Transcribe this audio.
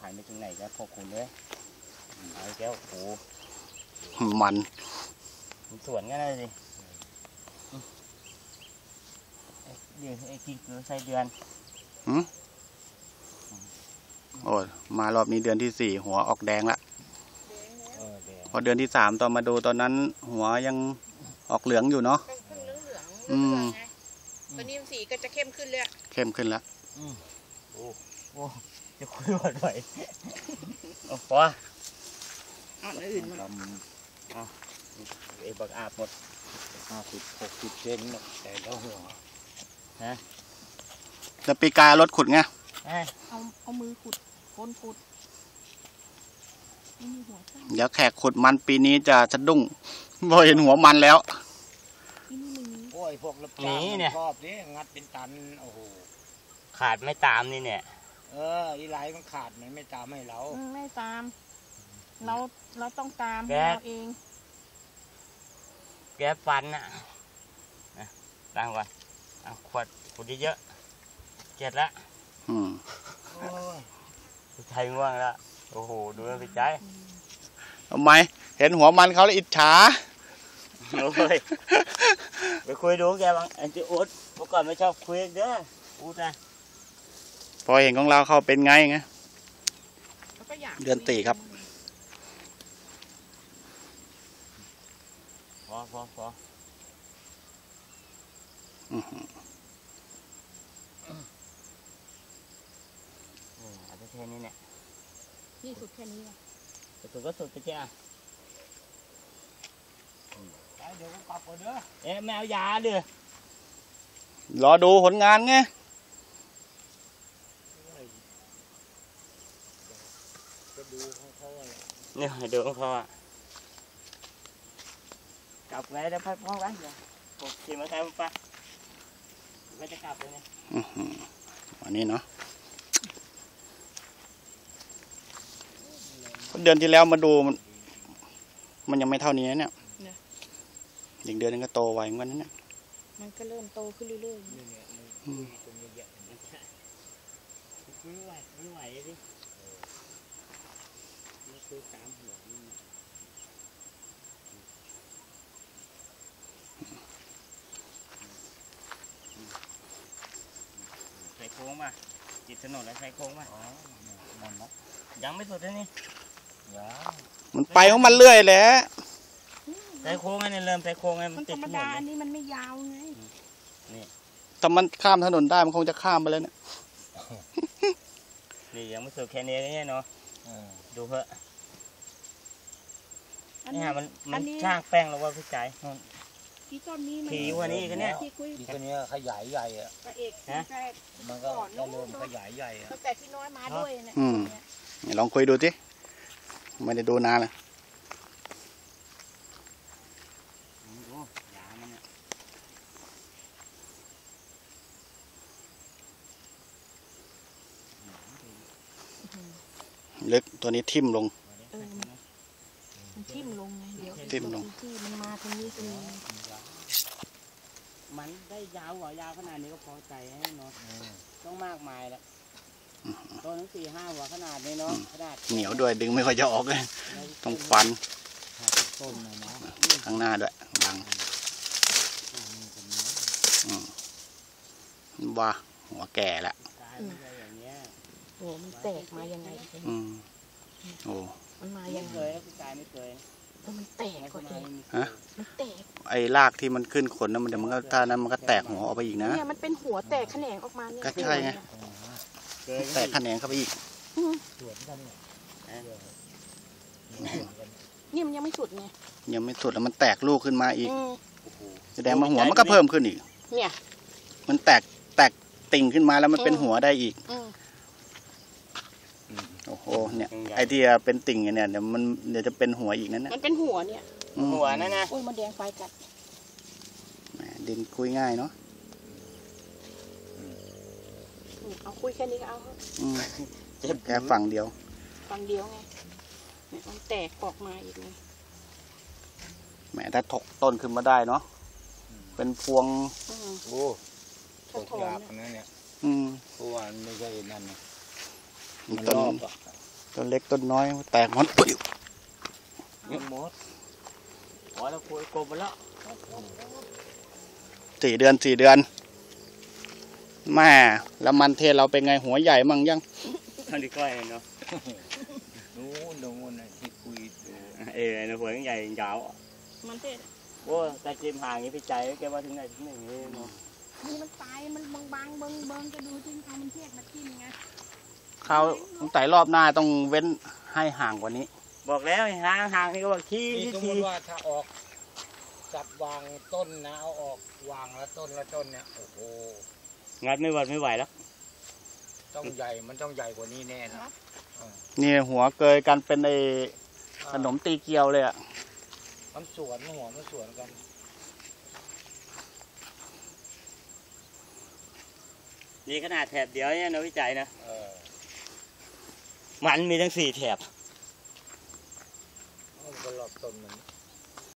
ผ่านไปถึงไหนแล้วพวกคุณเลยไอ้แก้วโอ้มันสวนกันเลยสิเดือนไอ้กี่คือใส่เดือนโอ้มารอบนี้เดือนที่ 4หัวออกแดงละพอเดือนที่ 3ตอนมาดูตอนนั้นหัวยังออกเหลืองอยู่เนาะตอนนี้สีก็จะเข้มขึ้นเลยเข้มขึ้นแล้วโอ้จะคุยหมดไปพออื่นไอ้บักอาบหมด 50-60 เซนแต่แล้วหัวฮะแล้วปีกายรถขุดไงเอามือขุดก้นขุดเดี๋ยวแขกขุดมันปีนี้จะสะดุ้งพอเห็นหัวมันแล้วโอ้ยพวกรับจ้างชอบนี่งัดเป็นตันโอ้โหขาดไม่ตามนี่เนี่ยอีไลมันขาดมันไม่ตามให้เราไม่ตามเราต้องตามเราเองแกฟันน่ะตั้งก่อนเอาขวดเยอะเจ็ดละไทยง่วงแล้วโอ้โหดูมันไปใจทำไมเห็นหัวมันเขาแล้วอิจฉาโอ้ยไปคุยดูแกบ้างไอ้ที่อุดเมื่อก่อนไม่ชอบคุยเด้ออุดนะพอเห็นของเราเขาเป็นไงเดือนตีครับพออาจจะแค่นี้เนี่ยนี่สุดแค่นี้สุดก็สุดไปเจ้าเดี๋ยวก็กลับก่อนเด้อแมวยาเด้อรอดูผลงานไงดูของเขาอะไรเนี่ยดูของเขากลับไงได้พักพ้องไว้เดี๋ยวผมขี่มาใช้ผมไปไม่จะกลับเลยเนี่ยวันนี้เนาะเดือนที่แล้วมาดูมันยังไม่เท่านี้เนี่ยอีกเดือนนึงก็โตไวเหมือนกันนะเนี่ยมันก็เริ่มโตขึ้นเรื่อยๆไม่ไหวดิไม่คือตามหัวนี่ใส่โค้งป่ะจิตถนนแล้วใส่โค้งป่ะยังไม่สุดเลยนี่มันไปของมันเรื่อยแหละใส่โค้งไงเนี่ยเริ่มใส่โค้งไงมันธรรมดาอันนี้มันไม่ยาวไงนี่แต่มันข้ามถนนได้มันคงจะข้ามไปแล้วเนี่ยนี่ยังไม่สุดแค่นี้เนาะดูเถอะนี่มันช่างแป้งแล้วว่าพี่ใจที่ต้นนี้มันผีวันนี้กันเนี่ยที่ตัวนี้ขยายใหญ่อะมันก็เริ่มขยายใหญ่อะแต่ที่น้อยมาด้วยเนี่ยลองคุยดูสิไม่ได้ดูนานเลยลึกตัวนี้ทิ่มลงมันทิ่มลงไงเดี๋ยวทิ่มลงที่มันมาตรงนี้ตรงนี้มันได้ยาวหัวยาวขนาดนี้ก็พอใจให้เนาะต้องมากมายแล้วต้นทั้ง4-5 หัวขนาดนี้เนาะขนาดเหนียวด้วยดึงไม่ค่อยจะออกเลยต้องฟันข้างหน้าด้วยบังว่าหัวแก่แล้วโอ้มันแตกมายังไงโอ้มันมายังไงพี่กายไม่เคยมันแตกกว่าเองมันแตกไอ้รากที่มันขึ้นขนนะมันเดี๋ยวมันก็ถ้านั้นมันก็แตกหัวออกไปอีกนะเนี่ยมันเป็นหัวแตกแขนงออกมาเนี่ยก็ใช่ไงแตกแขนงเข้าไปอีกนี่มันยังไม่สุดไงยังไม่สุดแล้วมันแตกลูกขึ้นมาอีกแสดงว่าหัวมันก็เพิ่มขึ้นอีกเนี่ยมันแตกติ่งขึ้นมาแล้วมันเป็นหัวได้อีกโอ้โหเนี่ยไอที่เป็นติ่งเนี่ยเดี๋ยวจะเป็นหัวอีกนั่นนะมันเป็นหัวเนี่ยหัวนั่นนะอุ้ยมันแดงไฟกัดดินคุยง่ายเนาะเอาคุยแค่นี้ก็เอาแค่ฝั่งเดียวไงมันแตกออกมาอีกไงแหมถ้าถกต้นขึ้นมาได้เนาะเป็นพวงโอ้ถกยากนะเนี่ยเพราะว่าไม่ใช่นั่นนะมันรอบต้นเล็กต้นน้อยแตกหมดยังหมดอ๋อแล้วคุยกลมไปแล้ว 4 เดือนแม่แล้วมันเทศเราเป็นไงหัวใหญ่มั่งยังท่านดีก้อยเนาะนู้นน่ะที่คุยดู nó vừa cái giày dạo มันเทศ bố ta chim hàng như cái chạy cái ba thứ này thứ này mà นี่มันตายมันบางๆเบิ่งๆก็ดูที่เอามันเทศมากินไงเขาตั้งแต่รอบหน้าต้องเว้นให้ห่างกว่านี้ bọt léo hàng hàng thì các bạn นี่ chi สมม chi ติว่าถ้าออกจับวางต้นนะเอาออกวางละต้นเนี่ยโอ้โห ngặt mới vài lắm ต้องใหญ่มันต้องใหญ่กว่านี้แน่นะนี่หัวเกยกันเป็นไอขนมตีเกียวเลยอ่ะมันสวนหัวมันสวนกัน đi cái nào thẹp đéo nhá nó mới chạy nè เออ mặn mi đang xì thẹp มันก็รอบต้นมัน